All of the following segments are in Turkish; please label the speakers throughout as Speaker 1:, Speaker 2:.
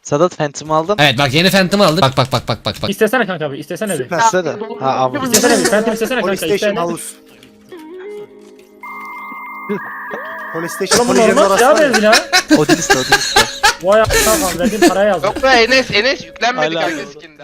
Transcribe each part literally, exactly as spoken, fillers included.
Speaker 1: Sedat Phantom aldın.
Speaker 2: Evet bak yeni Phantom aldık. Bak bak bak bak bak bak.
Speaker 3: İstesene kanka bir, istesene bir.
Speaker 1: İstese de. Ha ama.
Speaker 3: İstesene bir, Phantom istesene kanka,
Speaker 4: Polystation
Speaker 3: istesene.
Speaker 4: House. Polystation
Speaker 3: Oğlum bu
Speaker 4: Polyjen'in
Speaker 3: normal ya
Speaker 4: orası.
Speaker 3: benzi ya.
Speaker 1: Odiniste Odiniste.
Speaker 3: Vay a**ına verdiğim paraya yazdım.
Speaker 5: Yok be Enes, Enes yüklenmedi
Speaker 1: Hala.
Speaker 5: kanka skinde.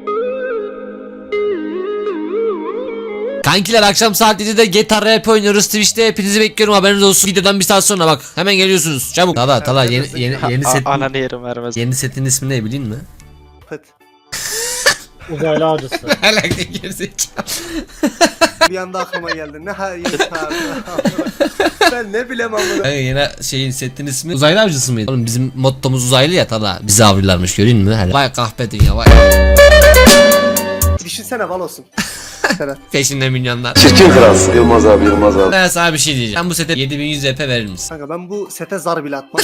Speaker 2: Kankiler akşam saat yedide G T A R P oynuyoruz Twitch'te, hepinizi bekliyorum, haberiniz olsun. Videodan bir saat sonra bak hemen geliyorsunuz çabuk. Tala Tala yeni yeni yeni set.
Speaker 1: A- Ananı yerim vermez.
Speaker 2: Yeni setin ismi ne bileyim mi?
Speaker 4: Pıt.
Speaker 3: Uzaylı avcısı.
Speaker 2: Hala gerizekalı.
Speaker 4: Bir anda aklıma geldi. Ne hayır abi. Ben ne bileyim amına.
Speaker 2: Kanka yeni şeyin setin ismi uzaylı avcısı mıydı? Oğlum bizim mottomuz uzaylı ya Tala. Bizi avlıyorlarmış görün mü? Hele. Vay kahpe dünya vay.
Speaker 4: Düşünsene bal olsun.
Speaker 2: Peşinde milyonlar.
Speaker 6: Çirkin kralsın Yılmaz abi Yılmaz abi.
Speaker 2: Ben sana bir şey diyeceğim. Sen bu sete yedi bin yüz R P verir misin?
Speaker 4: Kanka ben bu sete zar bile atmam.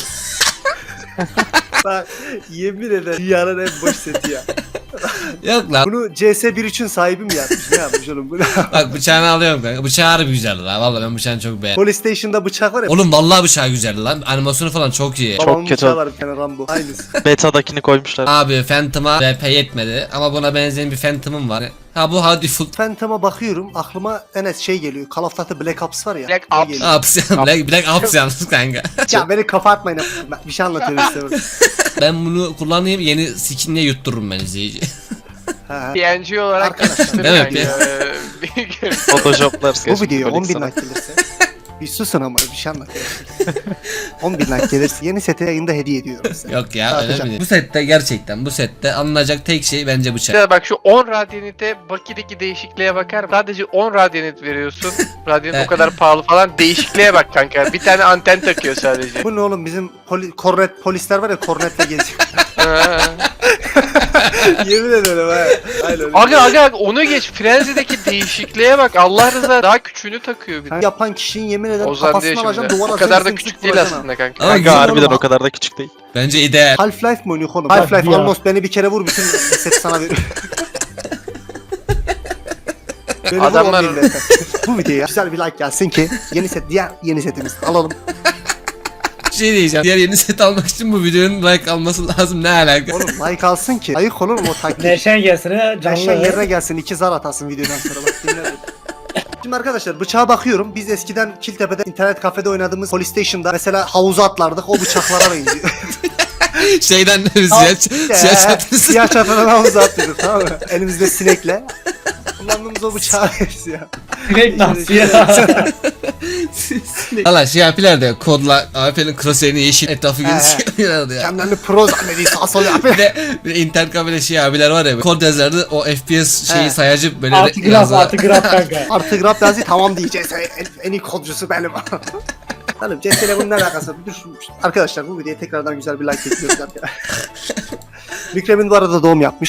Speaker 4: Bak yemin ederim dünyanın en boş seti ya.
Speaker 2: Yok lan.
Speaker 4: Bunu C S bir nokta üçün sahibi mi yapmış? Ne yapmış oğlum bu?
Speaker 2: Bak bıçağını alıyorum kanka. Bıçağı harbi güzeldi lan. Vallahi ben bıçağını çok beğendim.
Speaker 4: Polystation'da bıçak var ya.
Speaker 2: Oğlum vallahi bıçağı güzeldi lan. Animasyonu falan çok iyi.
Speaker 4: Babamın
Speaker 1: Çok kötü.
Speaker 4: bıçağı var bir tane Rambo. Aynısı.
Speaker 1: Beta'dakini koymuşlar.
Speaker 2: Abi Phantom'a R P yetmedi ama buna benzeyen bir Phantom'um var. Ha bu How Default
Speaker 4: Phantom'a bakıyorum aklıma Enes şey geliyor. Call of Duty Black Ops var ya.
Speaker 5: Black
Speaker 4: o
Speaker 5: Ops.
Speaker 4: geliyor.
Speaker 2: Ups. Black, Black Ops yalnız kanka.
Speaker 4: Ya beni kafa atmayın. Ben bir şey anlatıyorum işte burada.
Speaker 2: Ben bunu kullanayım yeni skinle yuttururum ben izleyici.
Speaker 4: Ha, ha.
Speaker 5: P N G olarak
Speaker 4: Arkadaşlar,
Speaker 2: değil mi?
Speaker 5: Ee,
Speaker 1: Photoshoplar.
Speaker 4: Bu video on bin like gelirse. Bir susun ama bir şey anlatıyorum. on bin like gelirse yeni seti yayında hediye ediyorum size.
Speaker 2: Yok ya öyle
Speaker 4: Tartacağım.
Speaker 2: mi? Bu sette gerçekten bu sette alınacak tek şey bence bıçak.
Speaker 5: İşte bak şu on radyanite Baki'deki değişikliğe bakar mısın? Sadece on radyanit veriyorsun. Radyanit o kadar pahalı falan. Değişikliğe bak kanka. Bir tane anten takıyor sadece.
Speaker 4: Bu ne oğlum bizim poli, kornet polisler var ya kornetle geziyor. Yemin ederim ha. Aynen.
Speaker 5: Aga aga onu geç. Frenzy'deki değişikliğe bak. Allah rızası daha küçüğünü takıyor bir de.
Speaker 4: Yapan kişinin yemin ederim
Speaker 5: Ozan diyor
Speaker 4: kafasını
Speaker 5: şimdi.
Speaker 4: alacaksın duvara
Speaker 5: O kadar da
Speaker 4: sımsıkı
Speaker 5: küçük değil
Speaker 4: vuracaksın
Speaker 5: aslında kanka.
Speaker 2: Ama
Speaker 1: Kanka
Speaker 2: güzel
Speaker 1: harbiden
Speaker 4: oğlum.
Speaker 1: o kadar da küçük değil.
Speaker 2: Bence ideal.
Speaker 4: Half-Life mi oynuyor oğlum?
Speaker 3: Hadi
Speaker 4: Half-Life
Speaker 3: ya.
Speaker 4: almost beni bir kere vur bütün seti sana veriyor. Beni vur,
Speaker 5: Adamlar-
Speaker 4: on bin dakika. Bu videoya güzel bir like gelsin ki yeni set diğer yeni setimiz alalım.
Speaker 2: Bir şey diyeceğim. Diğer yeni set almak için bu videonun like alması lazım, ne alaka?
Speaker 4: Oğlum like alsın ki. Ayık olur mu o taktik?
Speaker 3: Neşen gelsin ha
Speaker 4: Neşen
Speaker 3: canlı.
Speaker 4: yerine gelsin iki zar atasın videodan sonra bak dinle. Şimdi arkadaşlar bıçağa bakıyorum. Biz eskiden Kiltepe'de internet kafede oynadığımız Polystation'da mesela havuza atlardık. O bıçaklara benziyor.
Speaker 2: Şeyden siyah, siyah çatısı.
Speaker 4: Siyah çatıdan havuza atlıyorduk tamam mı? Elimizde sinekle. Kullandığımız o bıçağa benziyor.
Speaker 3: Direkt nasıl ya?
Speaker 2: Valla şey yapıyorlar da kodla A P N'in crosshair'ini yeşil etrafı
Speaker 4: He, he.
Speaker 2: gözüküyorlardı ya.
Speaker 4: Kendilerini pro zannediyor sağ sol
Speaker 2: Bir
Speaker 4: yapıyor.
Speaker 2: de, bir de internet kafede şey abiler var ya, kod yazardı, o F P S şeyi
Speaker 4: He.
Speaker 2: sayacı böyle
Speaker 3: Altı graf
Speaker 2: yazdılar.
Speaker 3: altı graf kanka.
Speaker 4: Artık rap yazı tamam diyeceğiz. En, en iyi kodcusu benim. Hanım C S ile bunun ne alakası var? Dur, arkadaşlar bu videoya tekrardan güzel bir like bekliyoruz arkadaşlar. Mükremin bu arada doğum yapmış.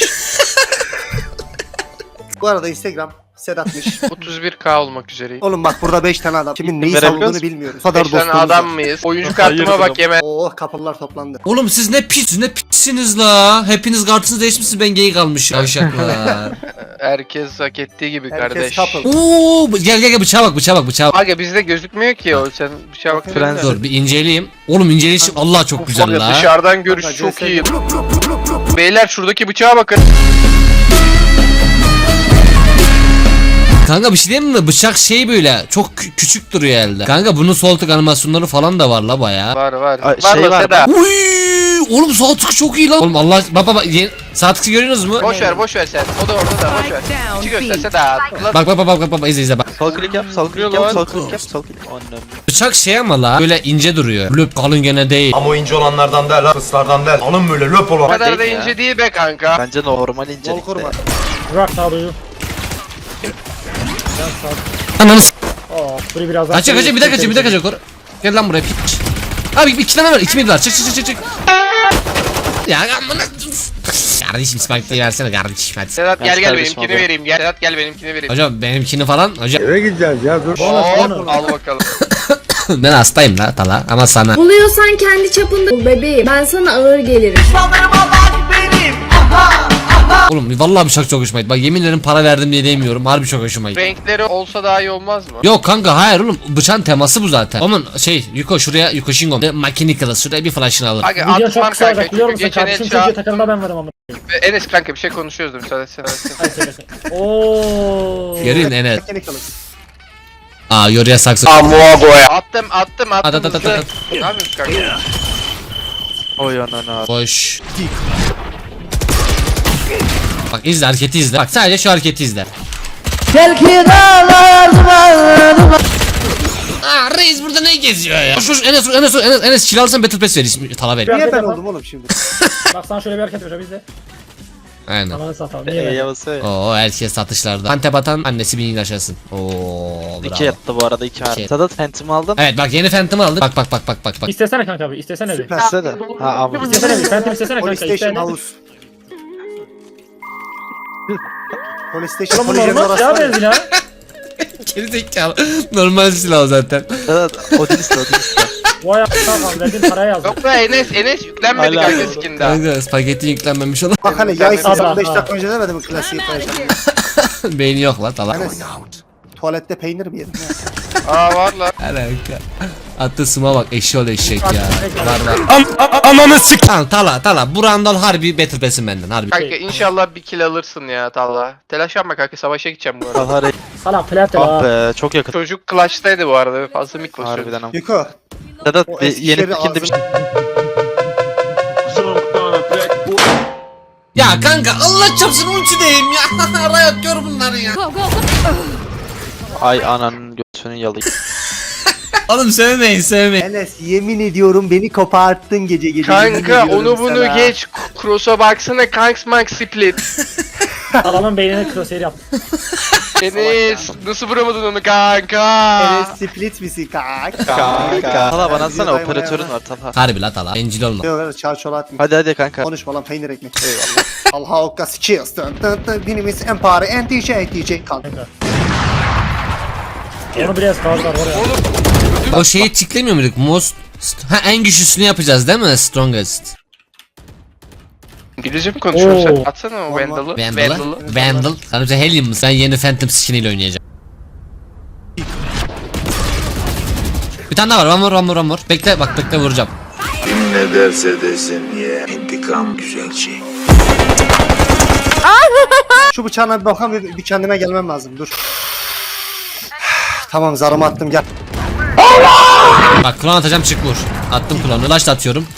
Speaker 4: Bu arada Instagram Sedat'mış.
Speaker 5: otuz bir K olmak üzereyim.
Speaker 4: Oğlum bak burada beş tane adam. Kimin neyi
Speaker 1: Verebiliyoruz
Speaker 4: savunduğunu
Speaker 1: mu?
Speaker 4: bilmiyoruz. Bu kadar
Speaker 5: beş tane
Speaker 4: dostumuz
Speaker 5: adam
Speaker 4: var.
Speaker 5: mıyız? Oyuncu kartıma bak yeme.
Speaker 4: Oo kapılar toplandı.
Speaker 2: Oğlum siz ne pis, siz ne pissiniz la. Hepiniz kartınızı değişmişsiniz, ben gay kalmışım. Yavşaklar.
Speaker 5: Herkes hak ettiği gibi
Speaker 4: Herkes
Speaker 5: kardeş.
Speaker 4: couple.
Speaker 2: Oo, gel gel gel bıçağa bak, bıçağa bak, bıçağa bak.
Speaker 5: Aga bizde gözükmüyor ki o. Sen bıçağa bak.
Speaker 1: Frenzy.
Speaker 2: Dur bir inceleyeyim. Oğlum inceleyişim Allah çok güzel la.
Speaker 5: Dışarıdan görüş
Speaker 4: Kanka,
Speaker 5: çok
Speaker 4: C S
Speaker 5: iyi. Beyler şuradaki bıçağa bakın.
Speaker 2: Kanka bir şey diyeyim mi? Bıçak şey böyle çok kü- küçük duruyor elde. Kanka bunun sol tık animasyonları falan da var la baya.
Speaker 5: Var var.
Speaker 1: Ay,
Speaker 5: var
Speaker 1: şey
Speaker 5: mı
Speaker 1: var.
Speaker 5: Seda?
Speaker 2: Uy, oğlum sağ tık çok iyi lan. Oğlum Allah bak bak bak yeni- sağ tıkı görüyorsunuz mu?
Speaker 5: Boş ver boş ver sen. O da orada da boş ver. İçi göster Seda. Ulan
Speaker 2: Bak bak bak bak bak bak izle izle bak.
Speaker 1: Sol klik yap, sol klik yap, sol klik yap, sol klik. Annem.
Speaker 2: Bıçak şey ama la böyle ince duruyor. Löp kalın gene değil.
Speaker 7: Ama o ince olanlardan değil, kıslardan değil. Alın böyle löp
Speaker 5: o
Speaker 7: olan.
Speaker 5: kadar da
Speaker 1: değil ya.
Speaker 5: ince değil be kanka.
Speaker 1: Bence normal
Speaker 4: Bol
Speaker 1: incelikte.
Speaker 4: koruma.
Speaker 3: Bırak sağduyu.
Speaker 2: Ananı s***.
Speaker 3: Oo, burayı biraz daha.
Speaker 2: Kaçıyor kaçıyor bir dakika kaçıyor bir dakika kaçıyor. Kor- Gel lan buraya piç. Abi iki tane var, iki mid var. Çık çık çık çık çık. Ya amına. Kardeşim spike'ı versene kardeşim hadi.
Speaker 5: Sedat gel
Speaker 1: Ben
Speaker 5: gel
Speaker 1: kardeşim
Speaker 5: benimkini
Speaker 1: abi.
Speaker 5: vereyim. Gel Sedat gel benimkini vereyim.
Speaker 2: Hocam benimkini falan hocam.
Speaker 5: Hop al bakalım.
Speaker 2: Ben hastayım la Tala ama sana.
Speaker 8: Buluyorsan kendi çapında bul bebeğim. Ben sana ağır gelirim.
Speaker 2: Oğlum vallahi bir şak çok hoşuma gitti. Bak yemin ederim para verdim diye demiyorum. Harbi çok hoşuma gitti.
Speaker 5: Renkleri olsa daha iyi olmaz mı?
Speaker 2: Yok kanka hayır oğlum bıçağın teması bu zaten. Aman şey Yuko şuraya Yuko Shingon Mechanical şuraya bir flash'ını alır.
Speaker 5: Aga
Speaker 3: Video çok
Speaker 5: atmam
Speaker 3: kısa
Speaker 5: kanka
Speaker 3: olacak biliyor
Speaker 5: çünkü
Speaker 3: musun?
Speaker 5: geçen el
Speaker 3: Kardeşim
Speaker 5: çağ...
Speaker 3: çocuğu takımda ben varım ama.
Speaker 5: Enes kanka bir şey konuşuyoruz da müsaade etsene.
Speaker 3: Hadi söyle söyle. Ooo.
Speaker 2: Görün Enes.
Speaker 4: Mekanik alın.
Speaker 2: Aa yoruya saksı.
Speaker 5: Attım attım
Speaker 2: At,
Speaker 5: attım
Speaker 2: at, at,
Speaker 5: hızlı.
Speaker 2: at,
Speaker 5: Ne yapıyorsun kanka?
Speaker 1: Oy anana.
Speaker 2: Boş. Bak izle hareketi izle. Bak sadece şu hareketi izle. Aa reis burada ne geziyor ya? Şu şu- Enes Enes Enes Enes kill alsan Battle Pass verir. Tala ver.
Speaker 4: Niye ben oldum oğlum şimdi?
Speaker 3: Bak sana şöyle bir hareket yapacağım biz de.
Speaker 2: Aynen.
Speaker 3: Ananı satalım.
Speaker 1: Eee
Speaker 3: Niye ben?
Speaker 1: yavası.
Speaker 2: Oo herkes satışlarda. Antep atan annesi bin yaşasın. Oo
Speaker 1: İki
Speaker 2: bravo.
Speaker 1: yattı bu arada iki
Speaker 2: İki.
Speaker 1: harita. Sadat Phantom aldın.
Speaker 2: Evet bak yeni Phantom'ı aldık. Bak bak bak bak bak bak.
Speaker 3: İstesene kanka abi. İstesene bir.
Speaker 4: Süperse de. Ha ama.
Speaker 3: İstesene bir. Phantom istesene kanka.
Speaker 4: Polystation
Speaker 3: İstesene.
Speaker 4: House. Polystation
Speaker 3: Oğlum bu
Speaker 4: Polygon
Speaker 3: normal
Speaker 4: arası
Speaker 3: ya
Speaker 4: var ya.
Speaker 3: benzin ha.
Speaker 2: Geri zekalı. Normal silah o zaten.
Speaker 1: Sadat Odinist Odinist.
Speaker 3: Vay a**ına verdiğin paraya yazdım.
Speaker 5: Yok be Enes Enes yüklenmedi
Speaker 1: Hala
Speaker 5: kanka
Speaker 1: doğru.
Speaker 5: skin daha.
Speaker 2: Kanka spagetti yüklenmemiş olan.
Speaker 4: Bak hani yay
Speaker 3: Adam,
Speaker 4: sesi beş
Speaker 3: ha.
Speaker 4: dakika önce demedim mi klasiği koyacağım.
Speaker 2: Beyni yok lan tala.
Speaker 4: Enes. Tuvalette peynir mi yedin ya?
Speaker 5: Aa var lan.
Speaker 2: Alaka. Attı sıma bak eşşoğlu eşek ya. Var var.
Speaker 7: Ananı sik.
Speaker 2: Tamam tala tala. Bu randol harbi Battle Pass'in benden harbi.
Speaker 5: Kanka inşallah bir kill alırsın ya Talha. Telaş yapma kanka savaşa gideceğim bu arada.
Speaker 1: Bahar
Speaker 3: Salak platin
Speaker 1: ah
Speaker 3: ha.
Speaker 1: be çok yakın.
Speaker 5: Çocuk clutch'taydı bu arada fazla mik basıyordu.
Speaker 1: Harbiden ama.
Speaker 4: Yuko.
Speaker 1: Sadat
Speaker 4: O
Speaker 1: bir
Speaker 4: eski
Speaker 1: yeni
Speaker 4: şeri
Speaker 1: fikirde bir
Speaker 4: ağzına-
Speaker 2: Ya kanka Allah çapsın ultideyim ya. Riot gör bunları ya.
Speaker 8: Go, go, go.
Speaker 1: Ay ananın göğsünün yalı.
Speaker 2: Oğlum sevmeyin sevmeyin.
Speaker 4: Enes yemin ediyorum beni koparttın gece gece. yemin
Speaker 5: Kanka
Speaker 4: ediyorum
Speaker 5: onu bunu
Speaker 4: sana.
Speaker 5: geç. Cross'a baksana Kanks Mank Split.
Speaker 3: Adamın beynine crosshair yaptım.
Speaker 5: Enes nasıl vuramadın onu kanka?
Speaker 4: Enes split misin kanka?
Speaker 1: Kanka. Tala bana atsana
Speaker 4: Yürü,
Speaker 1: operatörün
Speaker 4: ayağına.
Speaker 1: var Tala.
Speaker 2: Harbi la tala. Bencil olma.
Speaker 4: Yok öyle çar çolat mı?
Speaker 1: Hadi hadi kanka.
Speaker 4: Konuşma lan peynir ekmek. Eyvallah. Allah okka skills. Dın dın dın. Dinimiz empare and D J D J kanka.
Speaker 3: Onu biraz fazla var oraya.
Speaker 2: O şeyi tiklemiyor muyduk? Most... Ha en güçlüsünü yapacağız değil mi? Strongest.
Speaker 5: İngilizce mi konuşuyorsun sen?
Speaker 3: Oo.
Speaker 5: Atsana o Vandal'ı.
Speaker 2: Vandal'ı. Vandal. Sana bize Helium mu? Sen yeni Phantom skin ile oynayacaksın. Bir tane daha var. One more, one more, one more. Bekle bak bekle vuracağım.
Speaker 6: Ne derse desin ye. İntikam güzel şey.
Speaker 4: Şu bıçağına bir bakalım bir, bir kendime gelmem lazım dur. Tamam zarımı attım gel.
Speaker 2: Bak klon atacağım çık vur. Attım klonu. Laş da atıyorum.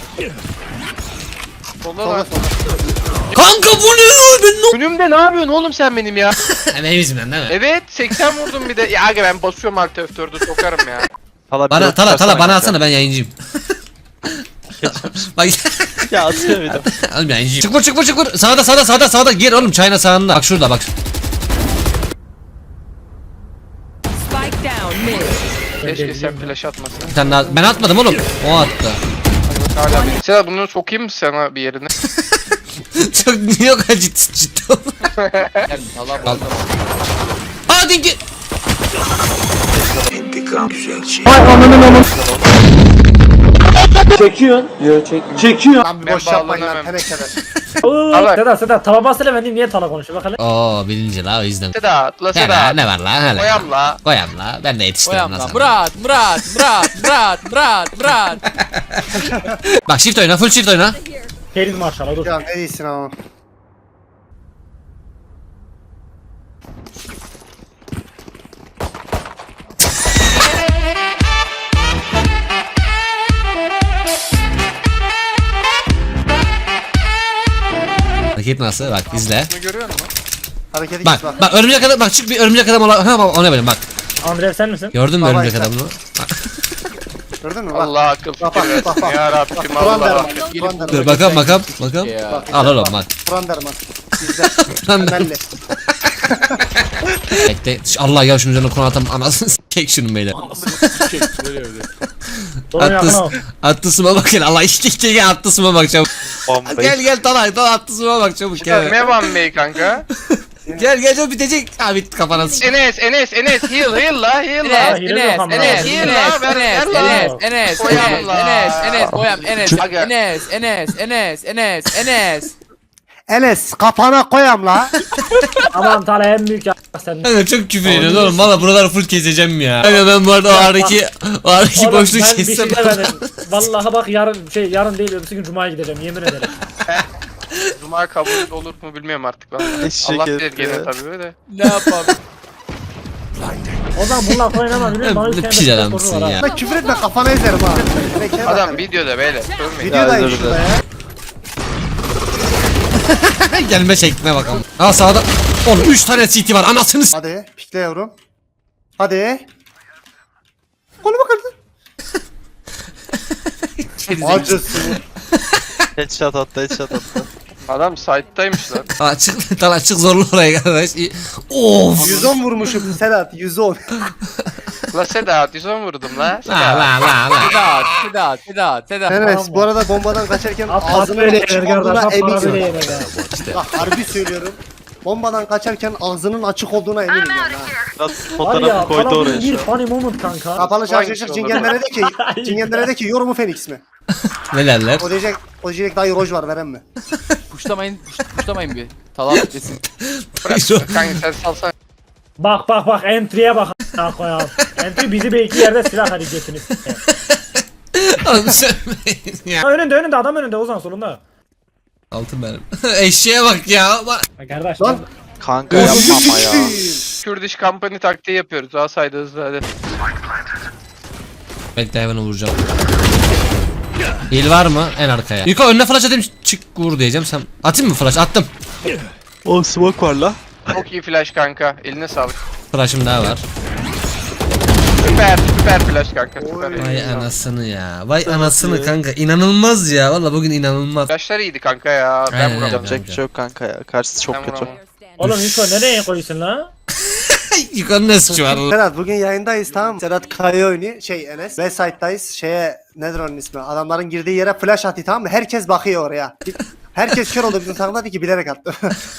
Speaker 5: Sola lan.
Speaker 2: Kanka bu ne ya? Ben ne
Speaker 5: Önümde ne yapıyorsun oğlum sen benim ya?
Speaker 2: Benim yüzümden değil mi?
Speaker 5: Evet seksen vurdum bir de. Ya aga ben basıyorum alt F dördü sokarım ya.
Speaker 1: Tala
Speaker 2: Bana
Speaker 1: pilot
Speaker 2: tala tala
Speaker 1: çıkarsana
Speaker 2: bana
Speaker 1: kanka.
Speaker 2: atsana ben yayıncıyım. Bak
Speaker 1: Ya atıyor bir de.
Speaker 2: oğlum yayıncıyım. Çık vur çık vur çık vur. Sağda sağda sağda sağda gir oğlum çayına sağında. Bak şurada bak.
Speaker 8: Spike down mid.
Speaker 5: Keşke sen flash atmasan.
Speaker 2: Bir tane daha. Ben atmadım oğlum. O attı.
Speaker 5: Hala bir. Sen bunu sokayım mı sana bir yerine?
Speaker 2: Çok niye o kadar ciddi ciddi oldu? Al. Aa dinki.
Speaker 6: İntikam güzel şey.
Speaker 4: Lan bir
Speaker 5: Ben
Speaker 4: boş yapmayın lan
Speaker 5: bağlanamam.
Speaker 4: tenekeler.
Speaker 3: Ooo.
Speaker 5: Alak.
Speaker 3: Sedat Sedat tava basıyla ben diyeyim niye tala konuşuyor bak hele.
Speaker 2: Oo bilinci la o yüzden.
Speaker 5: Sedat, la
Speaker 2: Hele
Speaker 5: Sedat.
Speaker 2: ne var la hele.
Speaker 5: Koyam la.
Speaker 2: Koyam la. Ben de yetiştirdim la sana.
Speaker 9: Murat, Murat, Murat, Murat, Murat, Murat.
Speaker 2: Bak shift oyna full shift oyna.
Speaker 3: Keriz maşallah dur.
Speaker 4: Ya ne iyisin ama.
Speaker 2: Hareket nasıl? Bak izle.
Speaker 5: Bunu görüyor musun?
Speaker 4: Hareketi
Speaker 2: Bak
Speaker 4: git bak.
Speaker 2: bak örümcek adam bak çık bir örümcek adam ola. Ha bak ona yapacağım bak.
Speaker 3: Andrev sen misin?
Speaker 2: Gördün mü
Speaker 4: Baba
Speaker 2: örümcek
Speaker 4: işte.
Speaker 2: adamını?
Speaker 4: Gördün mü bak.
Speaker 5: Allah akıl
Speaker 4: Bak,
Speaker 5: fikir
Speaker 4: bak, bak,
Speaker 5: versin.
Speaker 4: bak.
Speaker 5: Ya Rabbim
Speaker 4: Kur'an
Speaker 5: Allah.
Speaker 4: derman. Kur'an derman.
Speaker 2: Dur bakalım bakalım bakalım.
Speaker 9: Ya.
Speaker 2: Al oğlum bak.
Speaker 4: Kur'an derman. Bizde.
Speaker 2: Lan
Speaker 4: Belli.
Speaker 2: bekle. Allah ya şunun üzerine konu atam anasını s**kek şunun beyler.
Speaker 3: Sorun yakın
Speaker 2: Attı,
Speaker 3: o.
Speaker 2: attı suma bak gel Allah işte işte gel attı suma bak çabuk.
Speaker 1: Bombayı.
Speaker 2: Gel gel Talay Talay attı suma bak çabuk gel.
Speaker 5: Ne var Bey kanka?
Speaker 2: Gel gel çabuk bitecek. Ha bitti kafana s**.
Speaker 5: Enes, Enes, Enes, heal, heal la, heal
Speaker 9: Enes,
Speaker 5: la.
Speaker 3: hile
Speaker 9: Enes,
Speaker 3: yok ama.
Speaker 9: Enes,
Speaker 5: Hile
Speaker 9: Enes,
Speaker 5: la, ver,
Speaker 9: Enes,
Speaker 5: ver la.
Speaker 9: Enes, Enes,
Speaker 5: Koyalım
Speaker 9: Enes,
Speaker 5: la.
Speaker 9: Enes, Enes, koyam, Enes,
Speaker 5: Aga.
Speaker 9: Enes, Enes, Enes, Enes, Enes.
Speaker 4: Enes kafana koyam la.
Speaker 3: Aman Tala en büyük ya sen.
Speaker 2: Kanka çok küfür ediyorsun oğlum. Valla buraları full keseceğim ya. Kanka ben bu arada o aradaki o aradaki
Speaker 3: Oğlum,
Speaker 2: boşluğu
Speaker 3: ben bir
Speaker 2: kessem.
Speaker 3: şey demedim. Vallahi bak yarın şey yarın değil öbürsü gün Cuma'ya gideceğim yemin ederim.
Speaker 5: Cuma kabul olur mu bilmiyorum artık ben.
Speaker 1: Eşek
Speaker 5: Allah bilir
Speaker 1: herif
Speaker 5: gene
Speaker 1: ya.
Speaker 5: tabii de.
Speaker 9: Ne yapalım?
Speaker 3: O zaman bununla oynamam biliyor musun? Bana
Speaker 2: Ne
Speaker 3: bir tane
Speaker 2: pis
Speaker 3: de
Speaker 2: adamsın
Speaker 3: sorun var ha.
Speaker 2: ya.
Speaker 4: Bak küfür etme kafana ezerim ha. Bekle bak.
Speaker 5: Adam videoda böyle. Sormayın.
Speaker 4: Videodayım
Speaker 1: Ya,
Speaker 4: şurada
Speaker 1: özür
Speaker 4: ya.
Speaker 2: Gelme şekline bakalım. Aa sağda. Oğlum üç tane C T var anasını s-
Speaker 4: Hadi pikle yavrum. Hadi. Koluma kırdı. Acısın.
Speaker 1: Headshot attı headshot attı.
Speaker 5: Adam site'daymış lan.
Speaker 2: Açık lan açık zorlu oraya kardeş. İyi. Of.
Speaker 4: yüz on vurmuşum Sedat yüz on.
Speaker 5: La Sedat yüz on vurdum la.
Speaker 2: La
Speaker 5: Sedat.
Speaker 2: la la la.
Speaker 9: Sedat, Sedat, Sedat, Sedat.
Speaker 4: Evet bu arada bombadan kaçarken
Speaker 3: At at
Speaker 4: ağzının
Speaker 3: böyle
Speaker 4: açık
Speaker 3: yener
Speaker 4: olduğuna
Speaker 3: kardeş. At böyle
Speaker 4: eminim.
Speaker 3: yener ya.
Speaker 4: Bak harbi söylüyorum. Bombadan kaçarken ağzının açık olduğuna eminim yani. ha.
Speaker 1: Biraz
Speaker 3: Var ya
Speaker 1: fotoğrafı koydu
Speaker 3: Tala'nın
Speaker 1: oraya
Speaker 3: bir
Speaker 1: şu an.
Speaker 3: funny moment kanka.
Speaker 4: Kapalı şarjı Cingenlere de ki
Speaker 3: Ay.
Speaker 4: Cingenlere de ki yorumu Phoenix mi?
Speaker 2: Ne derler?
Speaker 4: O diyecek o diyecek dayı roj var veren mi?
Speaker 9: Puşlamayın, puş- puşlamayın bir. Talap desin.
Speaker 5: Bırak kanka sen salsan.
Speaker 3: Bak bak bak entry'e bak a**ına koyalım. Entry bizi bir iki yerde silah hadi götünüz.
Speaker 2: Oğlum söylemeyin ya.
Speaker 3: Ha, önünde önünde adam önünde Ozan solunda.
Speaker 2: Altın benim. Eşeğe bak ya. Bak.
Speaker 3: Ha, kardeş
Speaker 4: Lan.
Speaker 1: Kanka yapma ama ya.
Speaker 5: Kurdish Company taktiği yapıyoruz. Daha saydı hızlı hadi.
Speaker 2: Bekle hemen vuracağım. Heal var mı? En arkaya. Yuko önüne flash atayım çık vur diyeceğim sen. Atayım mı flash? Attım.
Speaker 1: O smoke var la.
Speaker 5: Çok iyi flash kanka. Eline sağlık.
Speaker 2: Flash'ım daha var.
Speaker 5: Süper süper flash kanka. Süper.
Speaker 2: Vay anasını ya. Vay anasını kanka. İnanılmaz ya. Valla bugün inanılmaz.
Speaker 5: Flashlar iyiydi kanka ya. Ben
Speaker 2: Aynen,
Speaker 5: vuramadım.
Speaker 1: Yapacak bir şey yok kanka ya. Karşısı çok
Speaker 5: Ben
Speaker 1: kötü.
Speaker 5: vuramam.
Speaker 3: Oğlum Yuko nereye koyuyorsun la?
Speaker 2: Yuko'nun ne suçu var?
Speaker 4: Sedat bugün yayındayız tamam mı? Sedat Kaya oyunu şey Enes. Westside'dayız şeye nedir onun ismi? Adamların girdiği yere flash attı tamam mı? Herkes bakıyor oraya. Herkes kör oldu bizim takımda dedi ki bilerek attı.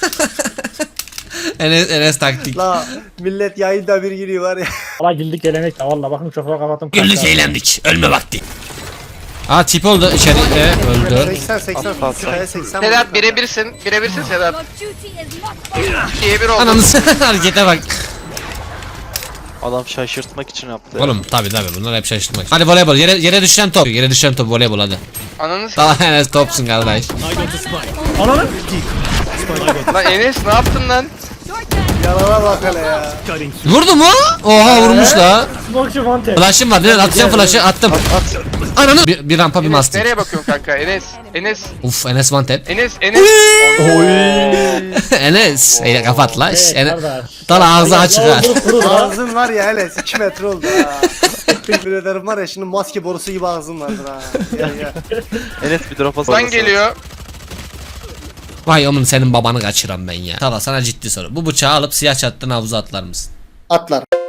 Speaker 2: Enes, Enes taktik.
Speaker 4: La millet yayında bir giriyor var ya.
Speaker 3: Valla güldük gelenek de valla bakın çok kapattım.
Speaker 2: Güldük
Speaker 3: kanka.
Speaker 2: eğlendik. Ölme vakti. Aa tip oldu içeride öldü.
Speaker 4: seksen seksen seksen seksen.
Speaker 5: Sedat birebirsin. Birebirsin Sedat. İkiye bir oldu.
Speaker 2: Ananı harekete bak.
Speaker 1: Adam şaşırtmak için yaptı. ya.
Speaker 2: Oğlum tabi tabi bunlar hep şaşırtmak. Hadi voleybol yere, yere düşen top. Yere düşen top voleybol hadi.
Speaker 5: Ananı s***.
Speaker 2: Tamam Enes topsun kardeş.
Speaker 3: Ananı.
Speaker 5: Lan Enes ne yaptın lan?
Speaker 4: Yalana bak hele ya.
Speaker 2: Vurdu mu? Oha vurmuş la.
Speaker 3: Smoke'cu Fante.
Speaker 2: Flash'ım var. Direkt atacağım flash'ı attım. Ananı. Bir, bir rampa bir
Speaker 5: Enes
Speaker 2: master.
Speaker 5: nereye bakıyorsun kanka? Enes. Enes.
Speaker 2: Uf Enes one tap.
Speaker 5: Enes. Enes.
Speaker 2: Enes. Eyle kapat la. Şş,
Speaker 3: Evet
Speaker 2: Enes.
Speaker 3: kardeş.
Speaker 2: Dal ağzı açık ha.
Speaker 3: Ya, vurup durur la.
Speaker 4: Ağzın var ya hele iki metre oldu ha. Teşekkür ederim var ya şimdi maske borusu gibi ağzın vardır ha. Gel gel.
Speaker 1: Enes bir drop
Speaker 5: Lan
Speaker 1: atsana.
Speaker 5: geliyor.
Speaker 2: Vay oğlum senin babanı kaçıran ben ya. Tala sana ciddi soru. Bu bıçağı alıp siyah çattığın havuza atlar mısın?
Speaker 4: Atlar.